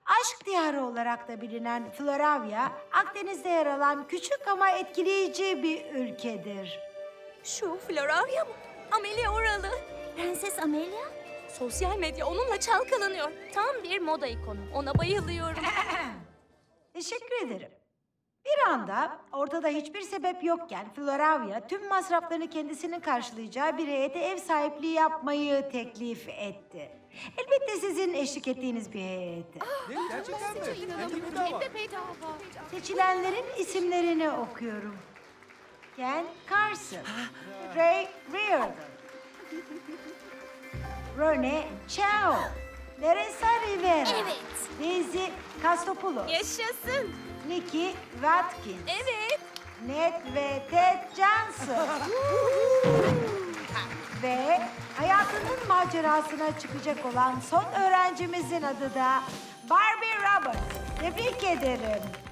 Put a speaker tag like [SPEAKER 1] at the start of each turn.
[SPEAKER 1] Aşk diyarı olarak da bilinen Floravia, Akdeniz'de yer alan küçük ama etkileyici bir ülkedir.
[SPEAKER 2] Şu Floravia mı? Amelia oralı.
[SPEAKER 3] Prenses Amelia?
[SPEAKER 2] Sosyal medya onunla çalkalanıyor.
[SPEAKER 3] Tam bir moda ikonu. Ona bayılıyorum.
[SPEAKER 1] Teşekkür ederim. Bir anda ortada hiçbir sebep yokken Floravia tüm masraflarını kendisinin karşılayacağı bir heyete ev sahipliği yapmayı teklif etti. Elbette sizin eşlik ettiğiniz bir heyeti.
[SPEAKER 4] Gerçekten mi? Bedava.
[SPEAKER 1] Seçilenlerin isimlerini okuyorum. Ken Carson, Ray Reardon, Rene Chao, Teresa Rivera,
[SPEAKER 3] Evet.
[SPEAKER 1] Daisy Castopoulos,
[SPEAKER 2] Yaşasın.
[SPEAKER 1] Nikki Watkins,
[SPEAKER 2] Evet.
[SPEAKER 1] Ned ve Ted Johnson. Ve hayatının macerasına çıkacak olan son öğrencimizin adı da Barbie Roberts. Tebrik ederim.